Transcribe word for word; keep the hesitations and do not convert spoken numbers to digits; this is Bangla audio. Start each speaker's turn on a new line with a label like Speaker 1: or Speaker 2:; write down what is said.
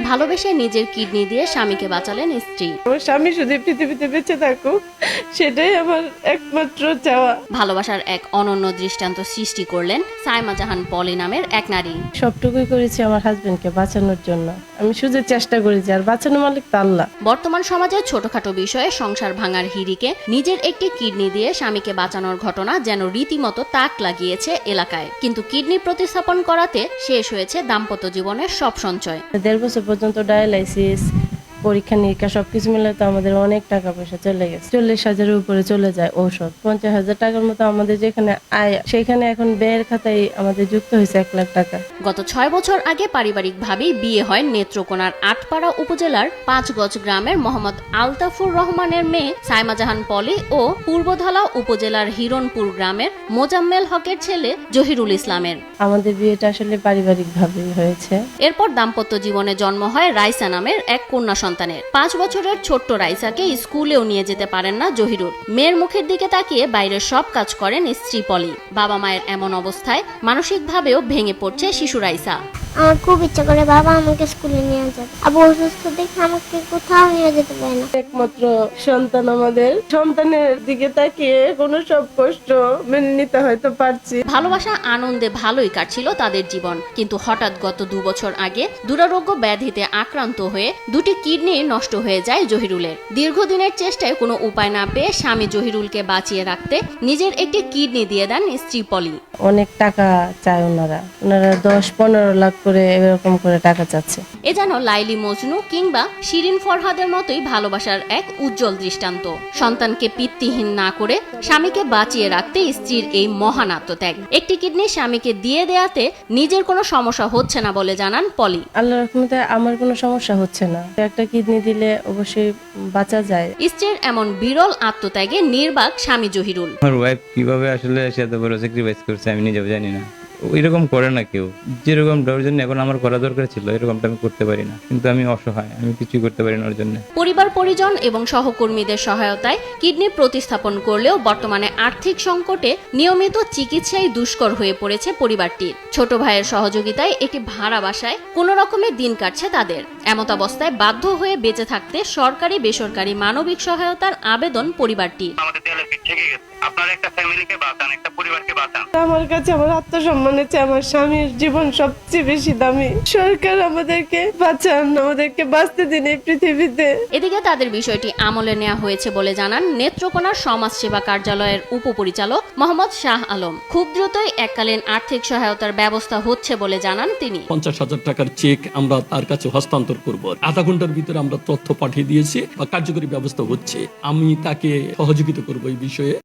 Speaker 1: ভালোবেসে নিজের কিডনি দিয়ে স্বামীকে বাঁচালেন স্ত্রী।
Speaker 2: আমার স্বামী শুধু পৃথিবীতে বেঁচে থাকুক, সেটাই আমার একমাত্র চাওয়া।
Speaker 1: ভালোবাসার এক অনন্য দৃষ্টান্ত সৃষ্টি করলেন সাইমা জাহান পলি নামের এক নারী।
Speaker 2: সবটুকুই করেছি আমার হাজবেন্ডকে বাঁচানোর জন্য। আমি শুধু চেষ্টা করেছি, আর বাঁচানো মালিক তো আল্লাহ।
Speaker 1: বর্তমান সমাজে ছোটখাটো বিষয়ে সংসার ভাঙার হিড়িকে নিজের একটি কিডনি দিয়ে স্বামীকে বাঁচানোর ঘটনা যেন রীতিমতো তাক লাগিয়েছে এলাকায়। কিন্তু কিডনি প্রতিস্থাপন করাতে শেষ হয়েছে দাম্পত্য জীবনের সব সঞ্চয়।
Speaker 2: দেড় বছর পর্যন্ত ডায়ালাইসিস, পরীক্ষা নিরীক্ষা সবকিছু মিলে তো আমাদের অনেক টাকা পয়সা চলে গেছে। চল্লিশ হাজারের উপরে চলে যায় ঔষধ। পঞ্চাশ হাজার টাকার মতো আমাদের যেখানে আয়, সেখানে এখন ব্যয়ের খাতায় আমাদের যুক্ত হয়েছে এক লাখ টাকা।
Speaker 1: গত ছয় বছর আগে পারিবারিকভাবেই বিয়ে হয় নেত্রকোনার আটপাড়া উপজেলার পাঁচগজ গ্রামের মোহাম্মদ আলতাফুর রহমানের মেয়ে সাইমা জাহান পলি ও পূর্বধলা উপজেলার হিরণপুর গ্রামের মোজাম্মেল হকের ছেলে জহিরুল ইসলামের।
Speaker 2: আমাদের বিয়েটা আসলে পারিবারিক ভাবেই হয়েছে।
Speaker 1: এরপর দাম্পত্য জীবনে জন্ম হয় রাইসা নামের এক কন্যা সন্তানের। পাঁচ বছরের ছোট্ট রাইসাকে স্কুলেও নিয়ে যেতে পারেন না জহিরুল। মেয়ের মুখের দিকে তাকিয়ে বাইরের সব কাজ করেন স্ত্রী পলি। বাবা মায়ের এমন অবস্থায় মানসিকভাবেও ভেঙে পড়ছে শিশু রাইসা।
Speaker 3: আমার খুব ইচ্ছা করে বাবা আমাকে স্কুলে নিয়ে যাবে, আবু অসুস্থ দেখে আমাকে কোথাও নিয়ে যেতে পারে না।
Speaker 2: একমাত্র সন্তান আমাদের, সন্তানের দিকে তাকিয়ে কোনো সব কষ্ট মেনে নিতে হয়তো পারছি।
Speaker 1: ভালোবাসা আনন্দে ভালোই কাটছিল তাদের জীবন, কিন্তু হঠাৎ গত দু বছর আগে দুরারোগ্য ব্যাধিতে আক্রান্ত হয়ে দুটি কিডনি নষ্ট হয়ে যায় জহিরুলের। দীর্ঘদিনের চেষ্টায় কোনো উপায় না পেয়ে স্বামী জহিরুলকে বাঁচিয়ে রাখতে নিজের একটি কিডনি দিয়ে দেন স্ত্রী পলি।
Speaker 2: অনেক টাকা চায় ওনারা, ওনারা দশ পনেরো লাখ করে এরকম করে টাকা চাচ্ছে।
Speaker 1: এ যেন লাইলি মজনু কিংবা শিরিন ফরহাদের মতোই ভালোবাসার এক উজ্জ্বল দৃষ্টান্ত। সন্তানকে পিতৃহীন না করে স্বামীকে বাঁচিয়ে রাখতে স্ত্রীর এই মহান আত্মত্যাগ। একটি কিডনি স্বামীকে দিয়ে দেয়াতে নিজের কোনো সমস্যা হচ্ছে না বলে জানান পলি।
Speaker 2: আল্লাহর রহমতে আমার কোনো সমস্যা হচ্ছে না। একটা কিডনি দিলে অবশ্যই বাঁচা যায়।
Speaker 1: স্ত্রীর এমন বিরল আত্মত্যাগে নির্বাক স্বামী জহিরুল।
Speaker 4: আমার ওয়াইফ কিভাবে আসলে সে এত বড় স্যাক্রিফাইস করছে আমি নিজেও জানি না। এরকম করে না কেউ। যেরকম ওর জন্য এখন আমার করা দরকার ছিল এরকমটা আমি করতে পারি না, কিন্তু আমি অসহায়, আমি কিছুই করতে পারি না ওর জন্য।
Speaker 1: পরিবার পরিজন এবং সহকর্মীদের সহায়তায় কিডনি প্রতিস্থাপন করলেও বর্তমানে আর্থিক সংকটে নিয়মিত চিকিৎসায় দুষ্কর হয়ে পড়েছে পরিবারটির। ছোট ভাইয়ের সহযোগিতায় একটি ভাড়া বাসায় কোনো রকমের দিন কাটছে তাদের। এমত অবস্থায় বাধ্য হয়ে বেঁচে থাকতে সরকারি বেসরকারি মানবিক সহায়তার আবেদন পরিবারটির।
Speaker 5: আপনার একটা ফ্যামিলিকে বাঁচান, একটা পরিবারকে বাঁচান।
Speaker 2: আমার কাছে আমার আত্মসম্মানের চেয়ে আমার স্বামীর জীবন সবচেয়ে বেশি দামি। সরকার আমাদেরকে বাঁচান, আমাদেরকে বাঁচতে দিন এই পৃথিবীতে।
Speaker 1: এদিকে তাদের বিষয়টি আমলে নেওয়া হয়েছে বলে জানান নেত্রকোনার সমাজ সেবা কার্যালয়ের উপপরিচালক মোহাম্মদ শাহ আলম। খুব দ্রুতই এককালীন আর্থিক সহায়তার ব্যবস্থা হচ্ছে বলে জানান তিনি।
Speaker 6: পঞ্চাশ হাজার টাকার চেক আমরা তার কাছে হস্তান্তর করব। আধা ঘন্টার ভিতরে আমরা তথ্য পাঠিয়ে দিয়েছি বা কার্যকরী ব্যবস্থা হচ্ছে। আমি তাকে সহযোগিতা করব এই বিষয়ে।